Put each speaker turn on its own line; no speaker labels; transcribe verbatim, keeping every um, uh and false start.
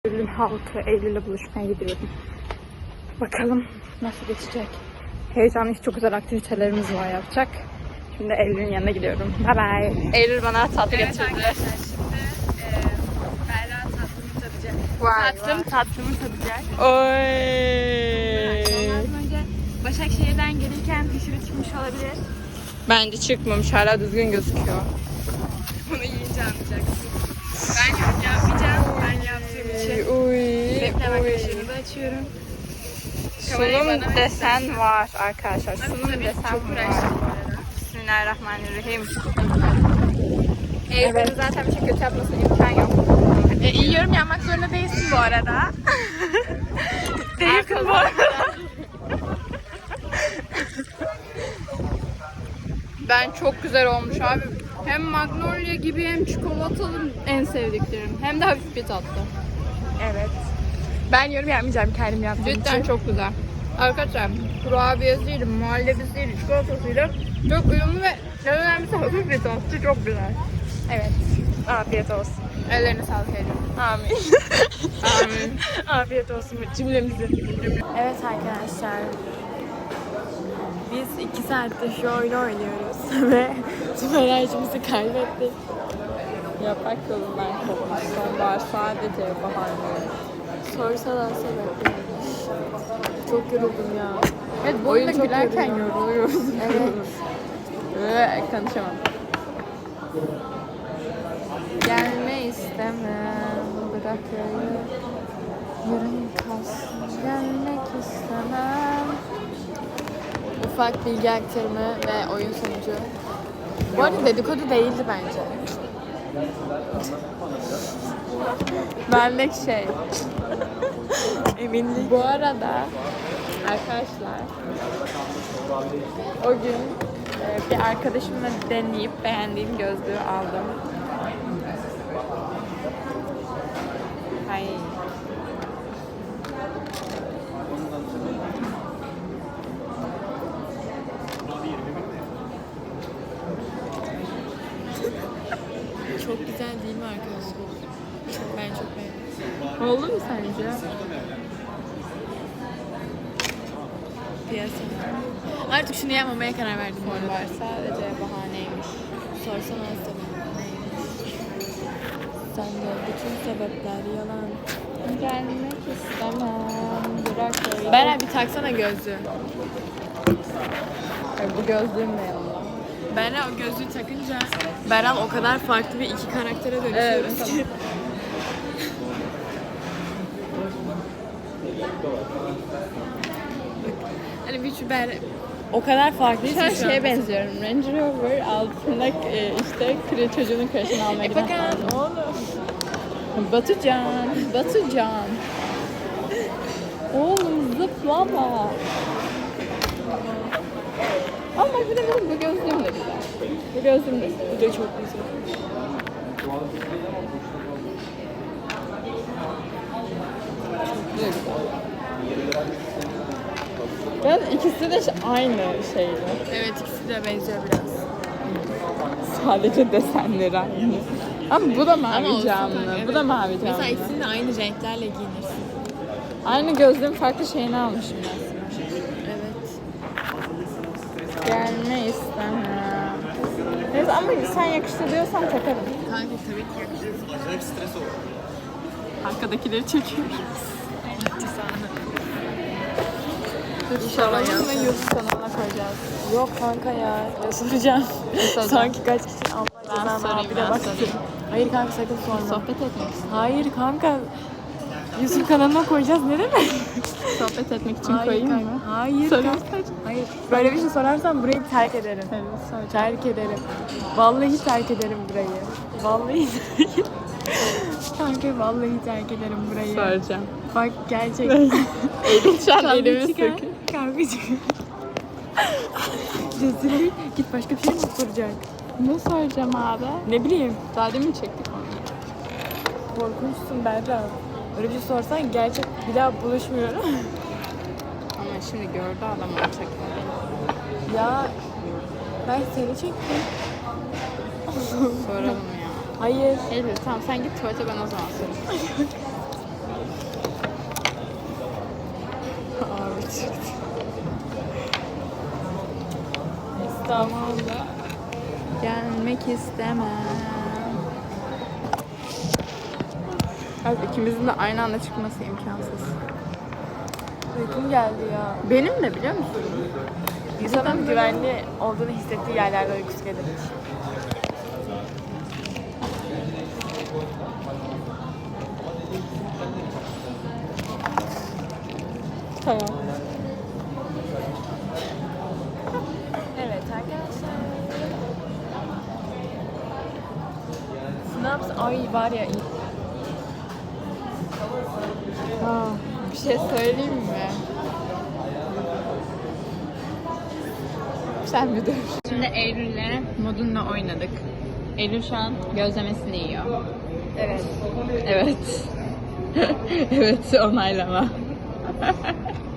Eylül halkı, Eylül'le buluşmaya gidiyorum. Bakalım nasıl geçecek. Heyecanlı, çok güzel aktivitelerimiz var yapacak. Şimdi Eylül'ün yanına gidiyorum. Bye bye. Eylül bana tatlı
Evet
getirdi.
arkadaşlar şimdi e, Berra tatlımı tadacak.
Vay
Tatlım
vay.
tatlımı tadacak.
Oy.
Ondan önce Başakşehir'den gelirken dışarı çıkmış olabilir.
Bence çıkmamış, hala düzgün gözüküyor.
Bunu yiyince anlayacaksın. Ben yorum yapmayacağım. Ben yaptığım için.
Uy.
Reklam arkadaşlarını da açıyorum.
Sunum desen var arkadaşlar. Sunum
Tabii
desen
çok
var.
uğraştım bu arada.
Bismillahirrahmanirrahim.
Evet.
Evet. Zaten bir şey kötü yapmasına imkan yok.
E, iyi yorum yapmak zorunda değilsin bu arada. değilsin bu arada.
Ben çok güzel olmuş abi. Hem magnolia gibi hem çikolatalı en sevdiklerim. Hem de hafif bir tatlı.
Evet. Ben yorum yapmayacağım kendim yaptığım
Cidden
için.
çok güzel. Arkadaşlar kurabiyesiyle, muhallebisiyle, çikolatasıyla çok uyumlu ve en önemlisi hafif bir tatlı. Çok güzel.
Evet. Afiyet olsun.
Ellerine sağlık ediyorum.
Amin.
Amin.
Afiyet olsun cümlemize. Evet arkadaşlar. Biz iki saattir şu oyunu oynuyoruz ve tüm enerjimizi kaybettik.
Yaprak yolundan kopmuş. Sonbahar sadece bahane.
Sorsalar sebeplermiş. Çok yoruldum ya.
Evet, bu
Oyun
oyunda
çok
gülerken
yoruyor.
yoruluyoruz.
Evet.
Ve konuşamam.
Gelme istemem. Bırak öyle. Yarın kalsın. Gelmek istemem. Ufak bilgi aktarımı ve oyun sonucu. Bu arada dedikodu değildi bence. Benlik şey. Eminlik.
Bu arada arkadaşlar o gün e, bir arkadaşımla deneyip beğendiğim gözlüğü aldım. Ay.
Çok güzel değil mi arkadaşlar? Ben çok beğendim.
Oldu mu sence?
Piyasa. Artık şunu yapmamaya karar verdim bu arada.
Var sadece bahaneymiş.
Sorsana sebep neymiş? Sende bütün sebepler yalan.
Gelmek istemem. Bırak öyle.
Beren bir taksana gözlüğü.
Ay, bu gözlüğüm de yanımda.
Beren o gözlüğü takınca Beren o kadar farklı bir iki karaktere dönüşüyoruz
Evet,
ki. Hani bir şu Beren o kadar farklıyız
Şu an
ki şu an.
şeye benziyorum. Range Rover altında e, işte kre, çocuğunun kreşini almaya
E
giden
bakın oğlum.
Batucan, Batucan. Oğlum zıplama. Ama bir de benim bu gözlüğüm de güzel. Bu gözlüğüm de güzel.
Bu da çok güzel.
Bu da güzel. Ben ikisi de ş- aynı şeydi.
Evet ikisi de benziyor biraz.
Sadece desenleri aynı. Ama bu da
Ama
mavi
olsun
camlı.
kanka, evet.
Bu da mavi camlı.
Mesela ikisini de aynı renklerle giyinirsin.
Aynı gözlüğün farklı şeyini almışım ben.
Evet.
Gelme istemem. Neyse ama sen yakıştı diyorsan takarım.
Kanka tabii ki yakışır.
Acayip stres oldu.
Arkadakileri çekiyoruz.
İnşallah
Soralım
yapsın.
ve YouTube kanalına koyacağız.
Yok kanka ya. Ya soracağım.
soracağım?
Sanki kaç kişi Allah
Ben
cezanı
sorayım,
abi
ben
de bak.
sorayım.
Hayır kanka sakın sorma.
Sohbet etmek istiyorum.
Hayır kanka. YouTube kanalına koyacağız ne demek?
Sohbet etmek için
Hayır
koyayım
kanka.
mı?
Hayır
Sorayım.
kanka. Hayır. Böyle bir şey sorarsan burayı terk ederim.
Evet, soracağım.
Terk ederim. Vallahi terk ederim burayı. Vallahi terk Kanka vallahi terk ederim burayı.
Soracağım.
Bak gerçekten.
Elim şu an
Kavga
elimi
çıkar.
sıkıyor.
Kavga çıkar. Rezillik. Git başka bir şey mi soracak?
Ne soracağım abi?
Ne bileyim.
Daha demin çektik onu.
Korkunçsun Berra. Öyle bir şey sorsan gerçek bir daha buluşmuyorum.
Ama şimdi gördü adam onu çekmedi.
Ya ben seni çektim.
Soralım ya.
Hayır.
Eylül tamam sen git tuvalete, ben o zaman sorayım.
İstanbul'a.
Gelmek istemem. Evet, ikimizin de aynı anda çıkması imkansız.
Uykum geldi ya.
Benim de biliyor musun?
İnsanın güvenli olduğunu hissettiği yerlerde uykusu gelir.
Tamam.
Evet arkadaşlar. Snaps ay var ya.
Aa, bir şey söyleyeyim mi? Sen bir dur. Şimdi Eylül'le modunla oynadık. Eylül şu an gözlemesini yiyor.
Evet.
Evet. Evet, onaylama.